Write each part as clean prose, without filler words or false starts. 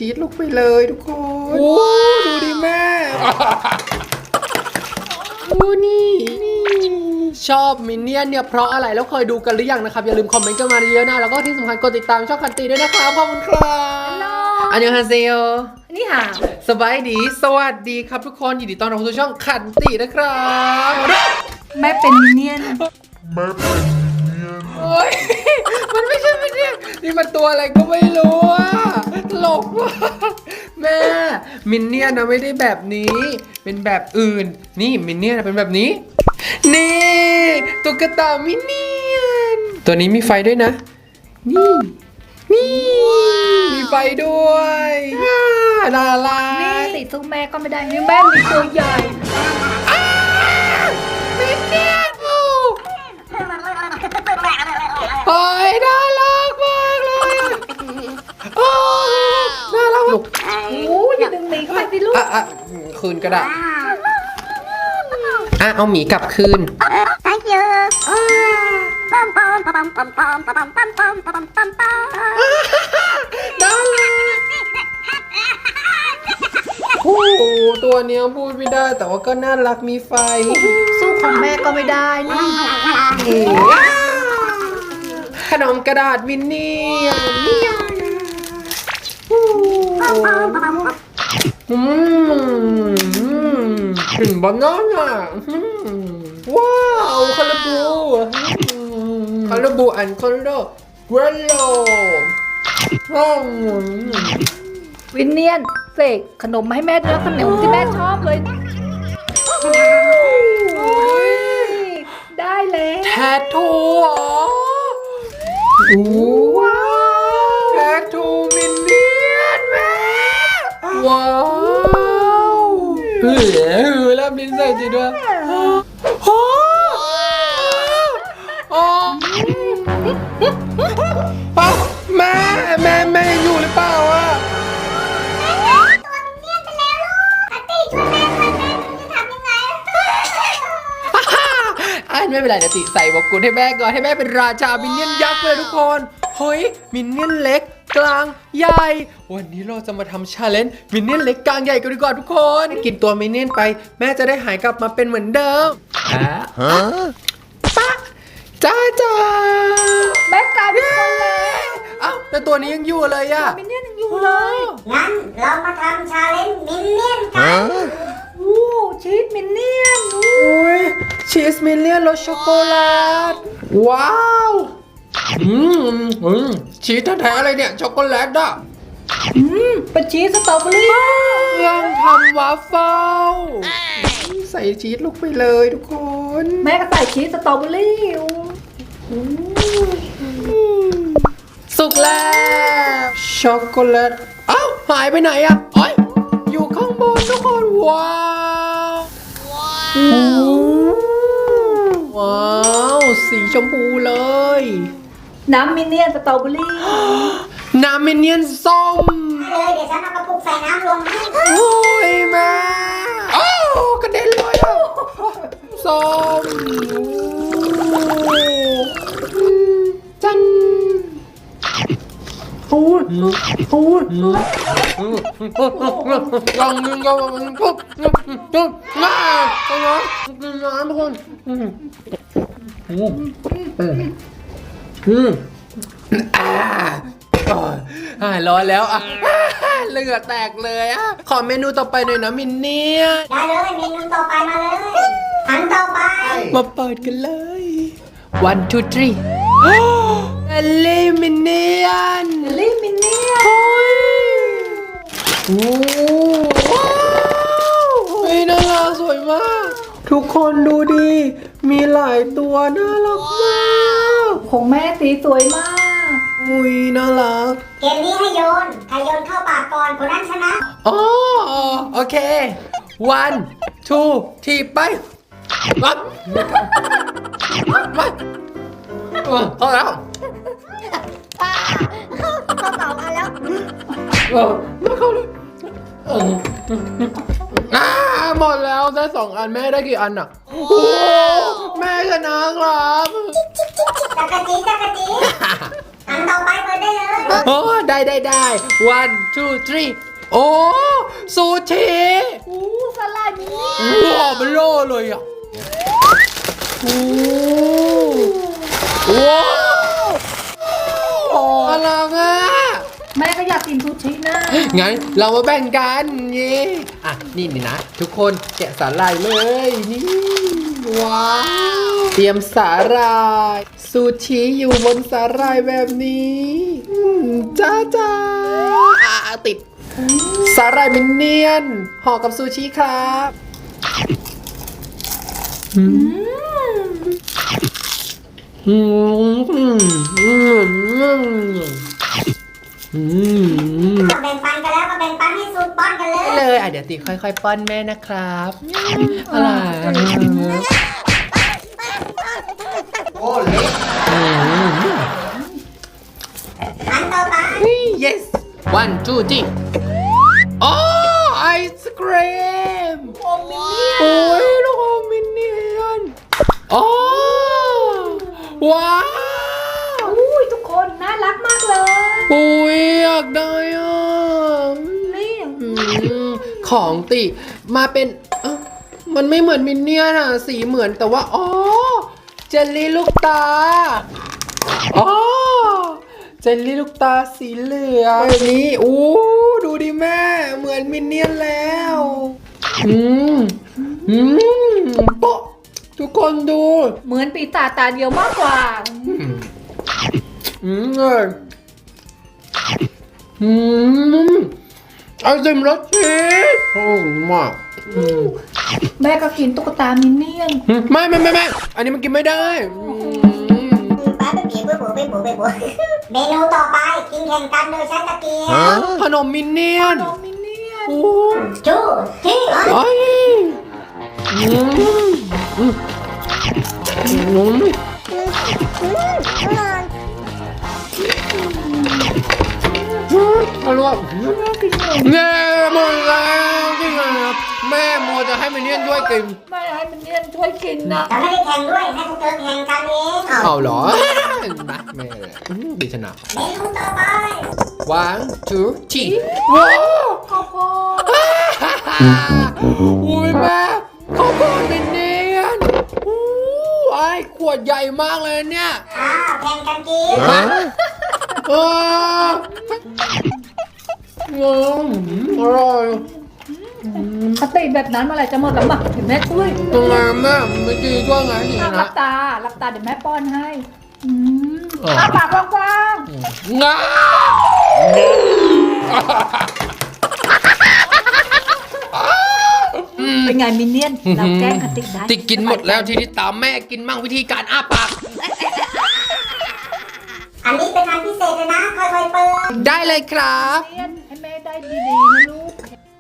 ชีสลงไปเลยทุกคนโอ้ดูดิแม่โอ้นี่ชอบมินเนี่ยนเนี่ยเพราะอะไรแล้วเคยดูกันหรือยังนะครับอย่าลืมคอมเมนต์กันมาเยอะๆนะแล้วก็ที่สำคัญกดติดตามช่องคันตีด้วยนะครับขอบคุณครับอันยองฮาเซโยนี่ค่ะสบายดีสวัสดีครับทุกคนยินดีต้อนรับสู่ช่องขันตินะครับแม่เป็นมินเนี่ยนโอ้ยมันไม่ใช่มินเนี่ยนนี่มันตัวอะไรก็ไม่รู้อะตลกว่ะแม่มินเนี่ยนนะไม่ได้แบบนี้เป็นแบบอื่นนี่มินเนี่ยนเป็นแบบนี้นี่ตุ๊กตามินเนี่ยนตัวนี้มีไฟด้วยนะนี่มีไฟด้วยน่ารักนี่ติดสู้แม่ก็ไม่ได้นี่แม่มีตัวใหญ่มินเนี่ยนโอ้ยน่ารักมากเลยโอ้น่ารักลูกโอ้อย่าดึงหมีเข้าไปสิลูกคืนก็ได้เอาหมีกลับคืน thank you น่ารักโอ้ตัวเนี้ยพูดไม่ได้แต่ว่าก็น่ารักมีไฟสู้ของแม่ก็ไม่ได้นี่ขนมกระดาษมินเนี่ยถึงบานาน่าว้าวคาราบูอันคาราเวลโลวินเนียนเสกขนมมาให้แม่ด้วยขนมที่แม่ชอบเลยได้เลยแททูเหรอว้าวแททูมินเนี่ยนแม่ว้าวแล้วมินใส่จริงด้วยแม่ยังอยู่หรือเปล่าอะไม่เป็นไรเดี๋ยวติใส่บอกกุลให้แม่ก่อนให้แม่เป็นราชามินเนี่ยนยักษ์เลยทุกคนเฮ้ยมินเนี่ยนเล็กกลางใหญ่วันนี้เราจะมาทำชาเลนจ์มินเนี่ยนเล็กกลางใหญ่กันดีกว่าทุกคนกินตัวมินเนี่ยนไปแม่จะได้หายกลับมาเป็นเหมือนเดิมป๊ะจ้าแม่กลายเป็นคนเลยแต่ตัวนี้ยังอยู่เลยอะมินเนี่ยนยังอยู่เลยงั้นเรามาทำชาเลนจ์มินเนี่ยนกันชีสมินเนี่ยนชีสมินเนี่ยนรสช็อกโกแลตว้าวชีสแท้ๆอะไรเนี่ยช็อกโกแลตอ่ะเป็นชีสสตรอเบอรี่ยังทำวาฟเฟิลใส่ชีสลงไปเลยทุกคนแม่ก็ใส่ชีสสตรอเบอรี่สุกแล้วช็อกโกแลตหายไปไหนอ่ะอยู่ข้างบนทุกคนว้าวสีชมพูเลยน้ำมินเนี่ยนสตรอเบอรี่น้ำมินเนี่ยนส้มเดี๋ยวฉันเอากระปุกใส่น้ำลงให้โอ้ยแม่กระเด็นเลยส้มจันลองนึงก็ปุ๊บมาต้องนะกินน้ำทุกคนหายร้อนแล้วเหงื่อแตกเลยขอเมนูต่อไปหน่อยนะมินเนี่ยได้เลยเมนูต่อไปมาเลยอันต่อไปมาเปิดกันเลย one two three เอลลี่มินเนี่ยนน่ารักสวยมากทุกคนดูดิมีหลายตัวน่ารักมากของแม่สีสวยมากน่ารักเกมนี้ให้โยนใครโยนเข้าปากก่อนคนนั้นชนะโอเค one two three ไปรับมาเข้าแล้วเข้าต่อมาแล้วไม่เข้าเลยหมดแล้วได้2 อันแม่ได้กี่อันอะแม่ชนะครับจักรจีอันต่อไปเปิดได้เลยโอ้ได้ one two three โอ้ซูชิอู้สลายมินเนี่ยนว้าวมันโล่เลยอ่ะโอ้ว้าวอลังอ่ะแม่ก็อยากกินซูชินะงั้นเรามาแบ่งกันเย่อ่ะนี่นะ ทุกคนแกะสาหร่ายเลยนี่ว้าวเตรียมสาหร่ายซูชิอยู่บนสาหร่ายแบบนี้จ้าติดสาหร่ายมินเนี่ยนห่อกับซูชิครับแบ่งปันกันแล้วก็แบ่งปันให้สูตรป้อนกันเลยเลยเดี๋ยวติค่อยๆป้อนแม่นะครับอะไรโอ้เล็กอันต่อไป yes one two three โอ้ไอศครีมโอมินเนี่ยนโอ้ยลูกอมมินเนี่ยนโอ้ว้าวอุ้ยทุกคนน่ารักมากเลยโอ้ยอยากได้อ่ะนี่ของติมาเป็นมันไม่เหมือนมินเนี่ยนอะสีเหมือนแต่ว่าอ๋อเจลลี่ลูกตาอ๋อเจลลี่ลูกตาสีเหลืองแบบนี้อู้ดูดิแม่เหมือนมินเนี่ยนแล้วโป๊ะทุกคนดูเหมือนปีศาจตาเดียวมากกว่าเลยไอติมรสชีสโอ้มากแม่ก็กินตุ๊กตามินเนี่ยนไม่อันนี้มันกินไม่ได้ป้าไปบีบไปบูเมนูต่อไปกินแข่งกันโดยใช้ตะเกียบขนมมินเนี่ยนน้องมินเนี่ยนโอ้จูที่ไอ้อร่อยแม่หมดแล้วจริงเหรอแม่โมจะให้มินเนี่ยนด้วยกินไม่ให้มินเนี่ยนช่วยกินนะจะไม่ได้แข่งด้วยให้พวกเธอแข่งกันเองเอาเหรอนะแม่ดีชนะเมนูต่อไป one two three ว้าวข้าวโพดอุ้ยแม่ข้าวโพดมินเนี่ยนอู้ไอ้ขวดใหญ่มากเลยเนี่ยแข่งกันกินฮะอร่อยปกติแบบนั้นเมื่อไหร่จะหมดแล้วมั้งเดี๋ยวแม่ช่วยตรงไหนแม่ไม่ดีด้วยไงนี่หลันะบตาหลับตาเดี๋ยวแม่ป้อนให้อ๋ออ้าปากกว้างงาๆเป็นไงมินเนี่ยนเราแกล้งคติได้ติกินหมดแล้วทีนี้ตามแม่กินมั่งวิธีการอ้าปากอันนี้เป็นอันพิเศษเลยนะค่อยๆเปิดได้เลยครับมินเนี่ยนให้แม่ได้ดีๆนะลูก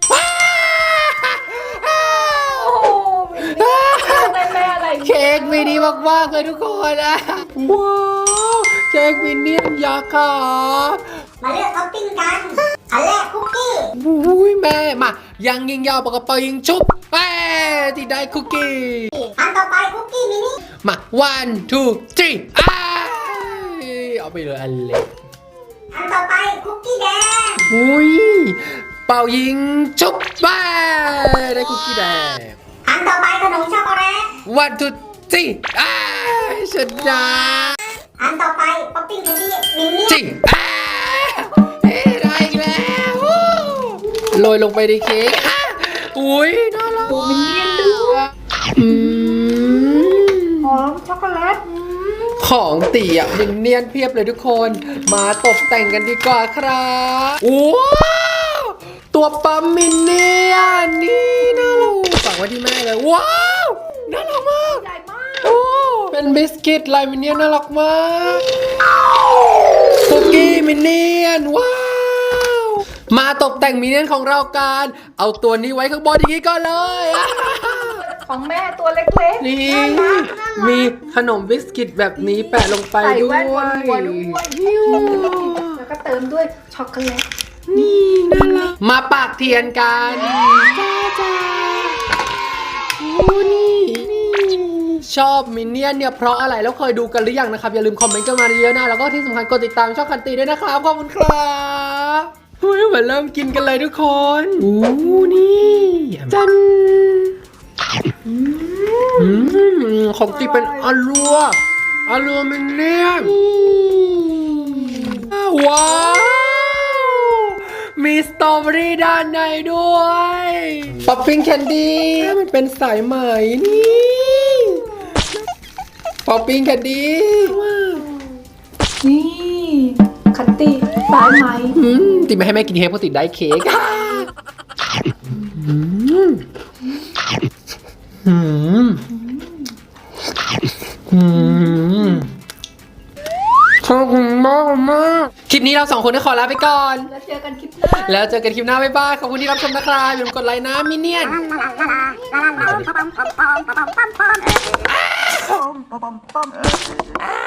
โอ้โหมินเนี่ยนได้แม่อะไรเค้กมินิมากๆเลยทุกคนนะว้าวเค้กมินเนี่ยนยักษ์ครับมาเลือกท็อปปิ้งกันอันแรกคุกกี้อุ้ยแม่มายังยิงยาวปากกระเป๋ายิงชุบแม่ที่ได้คุกกี้อันต่อไปคุกกี้มินิมา one two three เอาไปเลยอันเล็กอันต่อไปคุกกี้แดงอุ้ยเป่ายิงชุบแม่ได้คุกกี้แดงอันต่อไปขนมช็อกโกแลต one two three ชนะอันต่อไปป๊อปปิ้งแคนดี้มินเนี่ยนจิได้อีกแล้วโรยลงไปในเค้กอุ้ยน่ารักดูมินเนี่ยนด้วยอืมหอมช็อกโกแลตของตีอ่ะมินเนี่ยนเพียบเลยทุกคนมาตกแต่งกันดีกว่าครับว้าวตัวปั๊มมินเนี่ยนนี่น่ารักฝากไว้ที่แม่เลยว้าวน่ารักมากใหญ่มากโอ้เป็นบิสกิตลายมินเนี่ยนน่ารักมากคุกกี้มินเนี่ยนว้าวมาตกแต่งมินเนี่ยนของเรากันเอาตัวนี้ไว้ข้างบนอย่างนี้ก่อนเลยของแม่ตัวเล็กๆนี่น่ารักน่ารักมีขนมบิสกิตแบบนี้แปะลงไปใส่ด้วแว่ยนบนหัวด้วยแล้วก็เติมด้วยช็อกโกแลตนี่น่ารักมาปากเทียนกันจ้าโอ้นี่ชชอบมินเนี่ยนเนี่ยเพราะอะไรแล้วเคยดูกันหรือยังนะครับอย่าลืมคอมเมนต์กันมาเยอะๆนะแล้วก็ที่สำคัญกดติดตามช่องคันตีด้วยนะครับขอบคุณครับเฮ้ยมาเริ่มกินกันเลยทุกคนอู้นี่จันของจริงเป็นอลัวมินเนี่ยนว้าวมีสตรอเบอรี่ด้านในด้วยป๊อปปิ้งแคนดี้มันเป็นสายไหมนี่ป๊อปปิ้งแคนดี้นี่คัตตี้สายไหมติดไม่ให้แม่กินเค้กเพราะติดได้เค้กขอบคุณมากคลิปนี้เรา2 คนก็ขอลาไปก่อนแล้วเจอกันคลิปหน้าแล้วเจอกันคลิปหน้าบ๊ายบายขอบคุณที่รับชมนะครับอย่าลืมกดไลค์นะมินเนี่ยน Pom pom pom pom pom pom pom.